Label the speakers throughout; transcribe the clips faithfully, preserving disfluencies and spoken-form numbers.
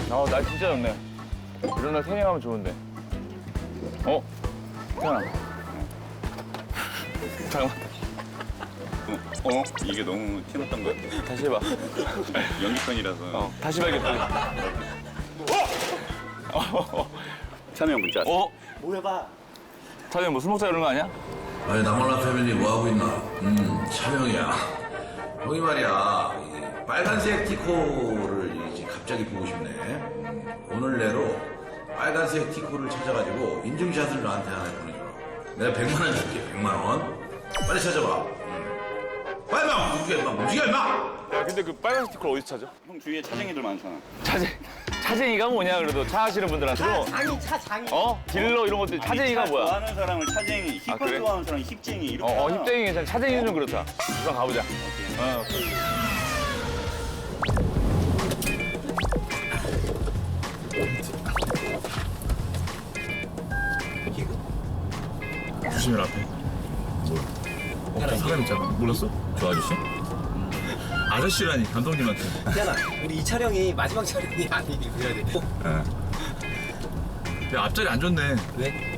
Speaker 1: 아, 날 진짜 좋네. 이런 날 태닝하면 좋은데. 어? 태연아. 잠깐만.
Speaker 2: 어? 어? 이게 너무 티났던 것 같아.
Speaker 1: 다시 해봐.
Speaker 2: 연기편이라서.
Speaker 1: 어, 다시 봐야겠다. 어?
Speaker 2: 찬우 형 문자 왔어.
Speaker 1: 어?
Speaker 3: 뭐 해봐.
Speaker 1: 찬이 뭐 술 먹자 이런 거 아니야?
Speaker 4: 아니 나몰라 패밀리 뭐하고 있나? 음 촬영이야. 형이 말이야 이 빨간색 티코를 이제 갑자기 보고 싶네. 음, 오늘 내로 빨간색 티코를 찾아가지고 인증샷을 나한테 하나 보내줘라. 내가 백만 원 줄게. 백만 원. 빨리 찾아봐. 음. 빨리 마 움직여 임마. 움직여 임마.
Speaker 1: 야, 근데 그 빨간 스티커 어디서 찾아?
Speaker 2: 형 주위에 차쟁이들 많잖아.
Speaker 1: 차쟁, 차쟁이가 뭐냐, 그래도 차 하시는 분들한테도.
Speaker 3: 장이 차 장이.
Speaker 1: 어? 딜러 이런 것들 차쟁이가
Speaker 2: 차
Speaker 1: 뭐야?
Speaker 2: 좋아하는 사람을 차쟁이, 힙합
Speaker 1: 아, 그래?
Speaker 2: 좋아하는 사람 힙쟁이 이렇게.
Speaker 1: 어, 어
Speaker 2: 하나.
Speaker 1: 힙쟁이 괜찮아. 차쟁이는 좀 그렇다. 우선 가보자. 어.
Speaker 5: 조심해라 앞에. 어, 저 사람 있잖아. 몰랐어? 저 아저씨? 아저씨라니 감독님한테.
Speaker 3: 태연아, 우리 이 촬영이 마지막 촬영이 아니길 그래야 돼.
Speaker 5: 야 앞자리 안 좋네.
Speaker 3: 왜?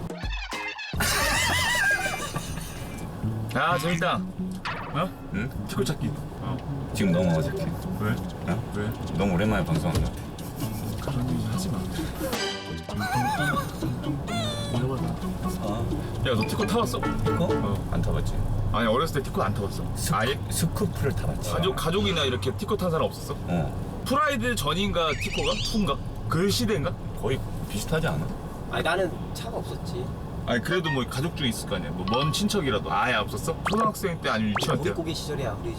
Speaker 5: 야 재밌다. 어? 응? 티코 찾기. 어.
Speaker 6: 지금 너무 어색해.
Speaker 5: 왜?
Speaker 6: 어?
Speaker 5: 왜?
Speaker 6: 너무 오랜만에 방송한다.
Speaker 5: 그런 얘기 하지 마. 야 너 티코 타봤어?
Speaker 6: 티코?
Speaker 5: 어.
Speaker 6: 안 타봤지.
Speaker 5: 아니 어렸을 때 티코 안 타봤어? 아예?
Speaker 6: 스쿠프를 타봤지.
Speaker 5: 가족 가족이나 이렇게 티코 탄 사람 없었어?
Speaker 6: 어.
Speaker 5: 프라이드 전인가 티코가 투인가? 그 시대인가?
Speaker 6: 거의 비슷하지 않아?
Speaker 3: 아니 나는 차가 없었지.
Speaker 5: 아니 그래도 뭐 가족 중에 있을 거 아니야. 뭐 먼 친척이라도 아예 없었어? 초등학생 때 아니면 유치원 때?
Speaker 3: 고깃고기 시절이야 우리 집.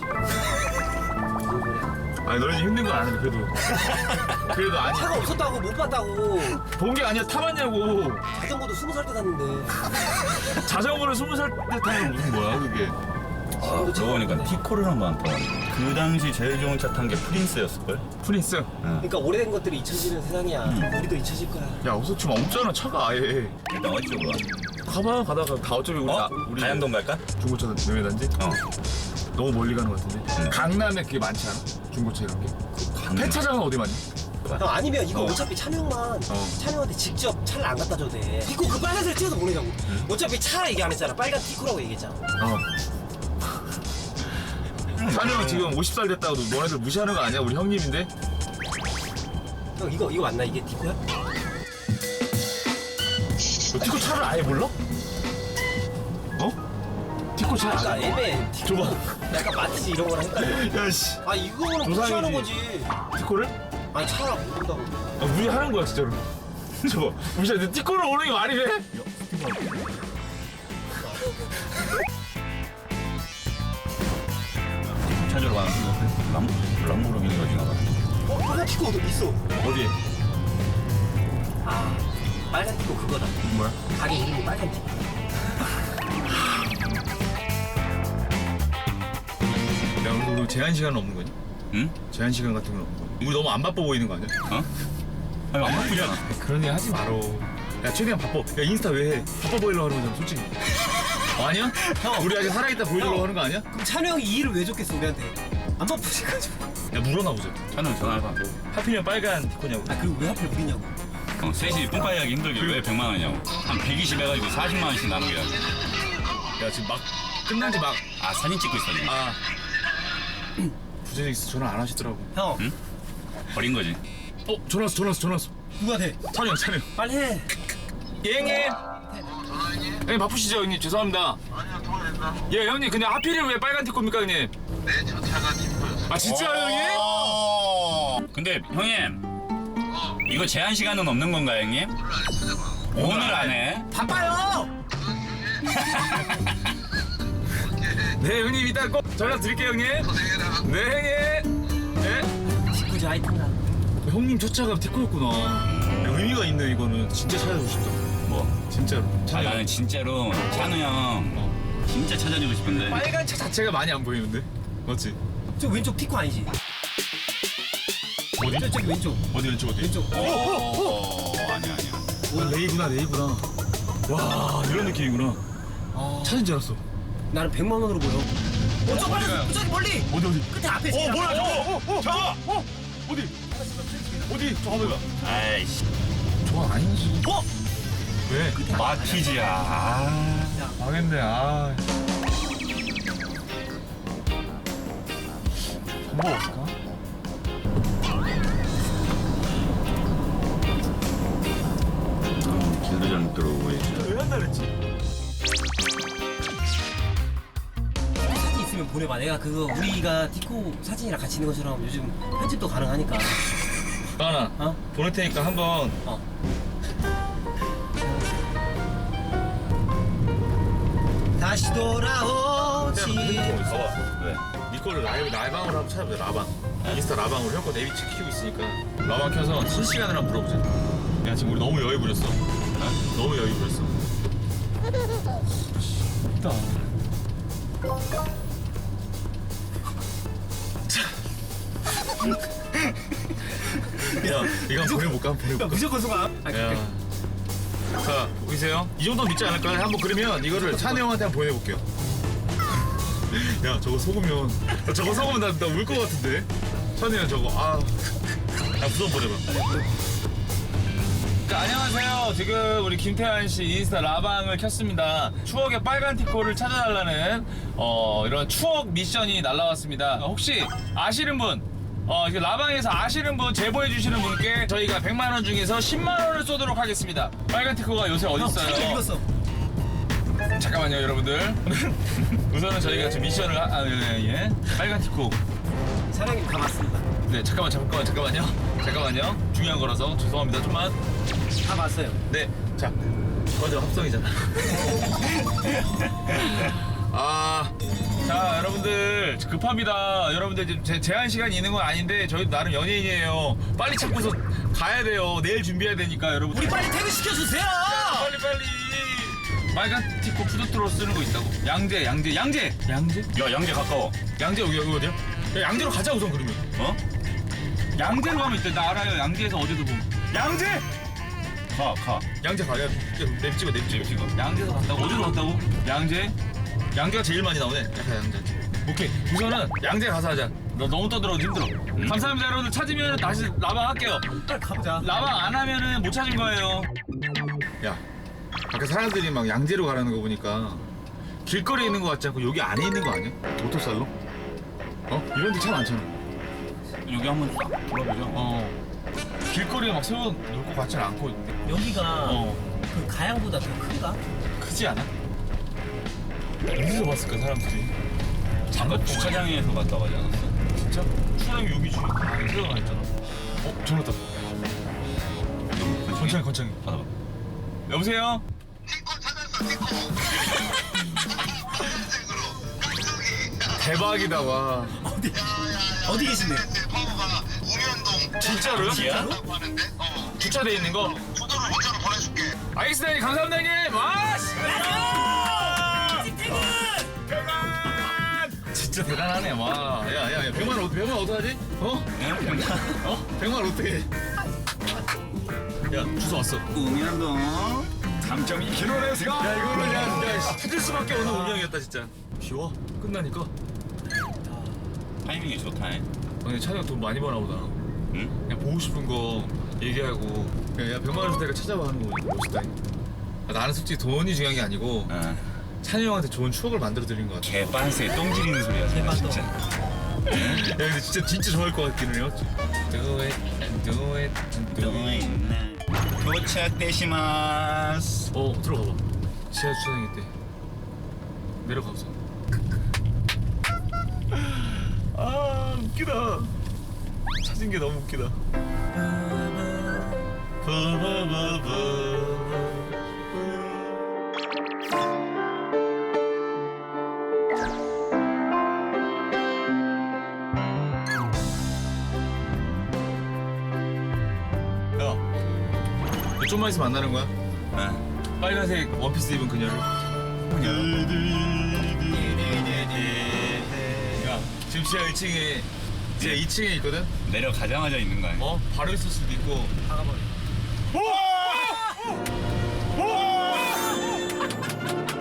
Speaker 5: 아니 너네 힘든 건 아는데 그래도 그래도 아니
Speaker 3: 차가 없었다고 못 봤다고.
Speaker 5: 본 게 아니야. 타봤냐고.
Speaker 3: 자전거도 스무 살 때 샀는데.
Speaker 5: 자전거를 스무 살 때 타는 무슨 뭐야 그게.
Speaker 6: 아, 그러고 보니까 티코를 한 번 안 타봤네. 그 당시 제일 좋은 차 탄 게 프린스였을걸?
Speaker 5: 프린스.
Speaker 3: 그러니까 오래된 것들이 잊혀지는 세상이야. 우리도 잊혀질 거야.
Speaker 5: 야 없어 지금 없잖아 차가 아예.
Speaker 6: 일단 어디쪽으로 가?
Speaker 5: 가봐 가다가 다 어차피 우리
Speaker 6: 어?
Speaker 5: 나, 우리
Speaker 6: 가양동 갈까?
Speaker 5: 중고차 매매단지.
Speaker 6: 어.
Speaker 5: 너무 멀리 가는 것 같은데.
Speaker 6: 응.
Speaker 5: 강남에 그게 많지 않아? 중고차 이런 게.
Speaker 6: 강남.
Speaker 5: 폐차장은 어디 많니?
Speaker 3: 형 아니면 이거
Speaker 6: 어.
Speaker 3: 어차피 찬영만
Speaker 5: 어.
Speaker 3: 찬영한테 직접 차를 안 갖다 줘도 돼. 티코 그 빨간색 찍어서 보내자고. 어차피 차 얘기 안 했잖아. 빨간 티코라고 얘기했잖아.
Speaker 5: 어. 찬영 지금 오십 살 됐다고 너네들 무시하는 거 아니야? 우리 형님인데.
Speaker 3: 형 이거 이거 맞나? 이게 티코야?
Speaker 5: 너 티코 차를 아예 몰라? 어? 티코 차.
Speaker 3: 나 애매해. 티코.
Speaker 5: 줘봐.
Speaker 3: 약간 마트지 이런 거랑 헷갈려.
Speaker 5: 야씨.
Speaker 3: 아 이거는
Speaker 5: 조상이지.
Speaker 3: 무시하는 거지.
Speaker 5: 티코를?
Speaker 3: 아니 차라 모른다고.
Speaker 5: 아, 무시하는 거야 진짜로. 저거 무시하는데 티코를 오는 게 말이 돼?
Speaker 6: 티코 찾으러 가는 거 람, 람보르기니가 지나가.
Speaker 3: 어? 빨간 티코 어디 있어?
Speaker 5: 어디?
Speaker 3: 아 빨간 티코 그거다.
Speaker 5: 뭐야?
Speaker 3: 가게 이름이 빨간 티코.
Speaker 5: 야 우리, 우리 제한 시간은 없는 거니?
Speaker 6: 응?
Speaker 5: 제한 시간 같은 건 없는 거니? 우리 너무 안 바빠 보이는 거 아니야?
Speaker 6: 어? 아니 안 바쁘잖아.
Speaker 5: 그런 얘기 하지 말어. 야 최대한 바빠. 야 인스타 왜 해? 바빠 보이려고 하는 거잖아 솔직히. 어, 아니야? 형 우리 아직 살아있다 보여주려고
Speaker 3: 형.
Speaker 5: 하는 거 아니야?
Speaker 3: 그럼 찬우 형이 이 일을 왜 줬겠어 우리한테? 안 바쁘셔가지고.
Speaker 5: 야 물어나 보자.
Speaker 6: 차는 전화해봐.
Speaker 5: 하필이면 빨간 티코냐고.
Speaker 3: 아 그리고 왜 하필 우리냐고.
Speaker 6: 어, 셋이 뿜빠이 하기 힘들게 왜 백만 원이냐고. 한 백이십 해가지고 사십만 원씩 나누게 하고.
Speaker 5: 야 지금 막 끝난 지 막.
Speaker 6: 아 사진 찍고 있어 지금.
Speaker 5: 아. 부재직 전화 안 하시더라고.
Speaker 3: 형
Speaker 6: 응? 버린 거지.
Speaker 5: 어 전화 왔어 전화 왔어 전화 왔어.
Speaker 3: 누구한테?
Speaker 5: 찬영 찬영.
Speaker 3: 빨리 해.
Speaker 5: 예 형님. 형님 바쁘시죠 형님 죄송합니다.
Speaker 7: 아니야, 통화된다.
Speaker 5: 예 형님 그냥 하필이면 왜 빨간 티코입니까 형님?
Speaker 7: 내 저 차가 니꺼였어.
Speaker 5: 아 진짜요 형님?
Speaker 6: 근데 형님 이거 제한 시간은 없는 건가요 형님?
Speaker 7: 오늘
Speaker 6: 오늘
Speaker 7: 안에 찾아봐.
Speaker 6: 안에?
Speaker 3: 바빠요.
Speaker 5: 네 형님 이따 꼭 전화 드릴게요 형님.
Speaker 7: 고생해라.
Speaker 5: 네 형님. 네.
Speaker 3: 티코지 하이탄가.
Speaker 5: 형님 첫 차가 티코였구나. 야, 의미가 있네 이거는. 진짜 찾아주고 싶다.
Speaker 6: 뭐?
Speaker 5: 진짜로.
Speaker 6: 아,
Speaker 5: 찬영.
Speaker 6: 나는 진짜로 찬우 형
Speaker 5: 어.
Speaker 6: 진짜 찾아주고 싶은데.
Speaker 5: 빨간 차 자체가 많이 안 보이는데? 맞지?
Speaker 3: 저 왼쪽 티코 아니지?
Speaker 5: 어디?
Speaker 3: 저 저기 왼쪽.
Speaker 5: 어디 왼쪽 어디?
Speaker 3: 왼쪽.
Speaker 6: 어, 아니야 아니야.
Speaker 5: 아, 레이구나 레이구나. 와 이런 느낌이구나.
Speaker 3: 아,
Speaker 5: 찾은 줄 알았어.
Speaker 3: 나는 백만 원으로 보여. 어, 저 빨리, 저기 멀리.
Speaker 5: 어디 어디?
Speaker 3: 끝에 앞에. 어,
Speaker 5: 뭐야 저거? 저거? 어디? 어디? 저 한번 봐.
Speaker 6: 아이씨.
Speaker 5: 저건 아니지. 어? 왜?
Speaker 6: 마티즈야. 아.
Speaker 5: 망했네. 아. 방법 없을까?
Speaker 6: 길도 잘못 들어오고 있어.
Speaker 5: 왜 한다 그랬지?
Speaker 3: 사진 있으면 보내봐. 내가 그거 우리가 디코 사진이랑 같이 있는 것처럼 요즘 편집도 가능하니까.
Speaker 5: 나나
Speaker 3: 어?
Speaker 5: 보낼 테니까 한번
Speaker 3: 어. 다시 돌아오지.
Speaker 5: 봐봐.
Speaker 6: 왜?
Speaker 5: 니 거를 라이브 라방으로 한번 찾아보자. 라방. 인스타 라방으로 형 거 네비치 키우고 있으니까 라방 켜서 실시간으로 한번 물어보자. 야 지금 우리 너무 여유 부렸어. 너무 여유 부렸어. 있다. 야 이거 한번 보내볼까? 한번 보내볼까?
Speaker 3: 무조건 소감.
Speaker 5: 야. 자, 보이세요? 이 정도 믿지 않을까요? 한번 그러면 이거를 찬이 형한테 한번 보내볼게요. 야, 저거 속으면 저거 속으면 나 울 것 같은데. 찬이 형 저거 아, 야 무서워 보내봐. 자, 안녕하세요. 지금 우리 김태환 씨 인스타 라방을 켰습니다. 추억의 빨간 티코를 찾아달라는 어, 이런 추억 미션이 날라왔습니다. 혹시 아시는 분? 어, 이거 라방에서 아시는 분 제보해 주시는 분께 저희가 백만 원 중에서 십만 원을 쏘도록 하겠습니다. 빨간 티코가 요새 어디
Speaker 3: 형,
Speaker 5: 있어요?
Speaker 3: 사진 읽었어.
Speaker 5: 잠깐만요, 여러분들. 우선은 저희가 지금 미션을 하, 아, 예, 예. 빨간 티코.
Speaker 3: 사장님 다 봤습니다.
Speaker 5: 네, 잠깐만, 잠깐만, 잠깐만요. 잠깐만요. 중요한 거라서 죄송합니다. 좀만.
Speaker 3: 다 봤어요.
Speaker 5: 네, 자, 먼저 합성이잖아. 아, 자, 여러분들 급합니다. 여러분들 지금 제, 제한 시간이 있는 건 아닌데 저희 나름 연예인이에요. 빨리 찾고서 가야 돼요. 내일 준비해야 되니까 여러분.
Speaker 3: 우리 빨리 퇴근 시켜주세요.
Speaker 5: 빨리 빨리. 빨간 티코 푸드트로 쓰는 거 있다고. 양재, 양재, 양재, 양재,
Speaker 6: 야, 양재 가까워.
Speaker 5: 양재 여기 여기 어디야? 야, 양재로 가자 우선 그러면.
Speaker 6: 어?
Speaker 5: 양재로 가면 있대. 나 알아요. 양재에서 어제도 보면. 양재.
Speaker 6: 가, 가.
Speaker 5: 양재 가야 냅 찍어 냅 찍어 찍어 양재에서 갔다고 어디로 갔다고? 양재? 양재가 제일 많이 나오네. 약간 양재. 오케이 우선은 양재 가서 하자. 너 너무 떠들어도 힘들어.
Speaker 6: 음.
Speaker 5: 감사합니다 여러분들. 찾으면 다시 라방 할게요.
Speaker 3: 빨리 가보자.
Speaker 5: 라방 안 하면은 못 찾은 거예요. 야 아까 사람들이 막 양재로 가라는 거 보니까 길거리에 있는 거 같지 않고 여기 안에 있는 거 아니야? 도토살로? 어? 이런 데 참 많잖아.
Speaker 6: 여기 한번 싹 돌아보자.
Speaker 5: 어 길거리에 막 세워놓을 것 같지는 않고
Speaker 3: 여기가
Speaker 5: 어
Speaker 3: 그 가양보다 더 큰가?
Speaker 5: 크지 않아? 어디서 봤을까 사람들이?
Speaker 6: 잠깐 주차장에서 갔다 가지 않았어?
Speaker 5: 진짜? 추장이 여기지. 아, 세워가 있잖아. 어, 전화 왔다. 건창이, 건창이.
Speaker 6: 받아봐.
Speaker 5: 여보세요?
Speaker 7: 티코 찾았어, 티코. 검은색으로. 깍두기.
Speaker 5: 대박이다, 와.
Speaker 3: 어디? 어디 계신데?
Speaker 7: 대파워가 우면동.
Speaker 5: 진짜로요?
Speaker 7: 진짜로? 하는데? 어.
Speaker 5: 주차돼 있는 거?
Speaker 7: 주소를 문자로 보내줄게.
Speaker 5: 알겠습니다, 형님. 감사합니다, 형님. 와, 씨. 대단! 진짜 대단하네, 와. 야, 야, 야. 백만 원, 백만 원 어떡하지? 어? 어? 백만 원 어떡해. 야, 주소 왔어.
Speaker 6: 우면동 삼 점 이 킬로미터.
Speaker 5: 야 이거는 그냥 야, 찾을 수밖에 없는 운명이었다 진짜. 쉬워 끝나니까.
Speaker 6: 타이밍이 좋다. 잉?
Speaker 5: 아니 찬이가 돈 많이 버나 보다.
Speaker 6: 응?
Speaker 5: 그냥 보고 싶은 거 얘기하고 야, 야 백만 원 줄 테니까 찾아봐 하는 거 멋있다. 아, 나는 솔직히 돈이 중요한 게 아니고
Speaker 6: 어.
Speaker 5: 찬이 형한테 좋은 추억을 만들어 드린 것 같아.
Speaker 6: 개빤스에 똥 지리는 소리야.
Speaker 3: 개빤스.
Speaker 6: 진짜.
Speaker 5: 야 근데 진짜 진짜 좋아할 것 같기는 해요. Do it, do it, do it.
Speaker 6: 도착되시마스.
Speaker 5: 어 들어가 봐. 지하 주차장 있대. 내려가 보자. 아 웃기다. 찾은 게 너무 웃기다. 야, 좀만 있으면 만나는 거야?
Speaker 6: 어.
Speaker 5: 빨간색 원피스 입은 그녀를. 야, 지금 지하 일 층에, 지하 이 층에 있거든?
Speaker 6: 내려가자마자 있는 거 아니야?
Speaker 5: 어? 바로 있을 수도 있고.
Speaker 3: 박아버려.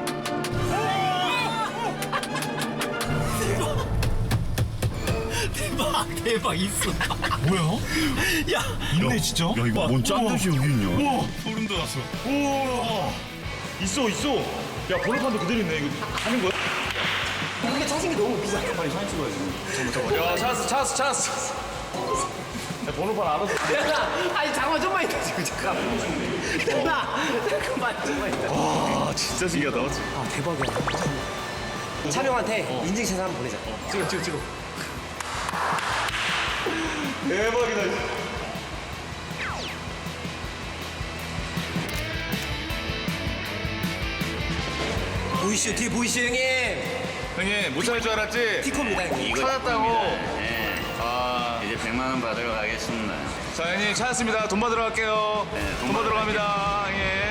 Speaker 5: 대박!
Speaker 3: 대박 대박 있어.
Speaker 5: 뭐야?
Speaker 3: 야
Speaker 5: 있네 진짜?
Speaker 6: 야 이거 뭔 짠듯이 여기 있냐?
Speaker 5: 우와 소름 돋았어. 우와 있어 있어. 야 번호판도 그대로 있네. 이거 하는 거야?
Speaker 3: 근데 찾은 게 너무 비싸.
Speaker 5: 빨리 사진 찍어야지. 야 찾았어 찾았어 찾았어. 야, 번호판 알아서.
Speaker 3: 아니 잠깐만 좀만 있다 지금 잠깐만. 잠깐만 잠깐만 좀만 있다.
Speaker 5: 와 진짜 신기하다.
Speaker 3: 아 대박이야. 촬영한테 인증샷 한번 보내자. 찍어 찍어 찍어.
Speaker 5: 대박이다.
Speaker 3: 보이시오 뒤에 보이시오 형님.
Speaker 5: 형님 못 찾을 줄 알았지?
Speaker 3: 티코입니다 형님.
Speaker 5: 찾았다고.
Speaker 2: 네.
Speaker 5: 아.
Speaker 2: 이제 백만 원 받으러 가겠습니다.
Speaker 5: 자 형님 찾았습니다. 돈 받으러 갈게요.
Speaker 2: 네, 돈
Speaker 5: 돈 받으러 갑니다. 형님.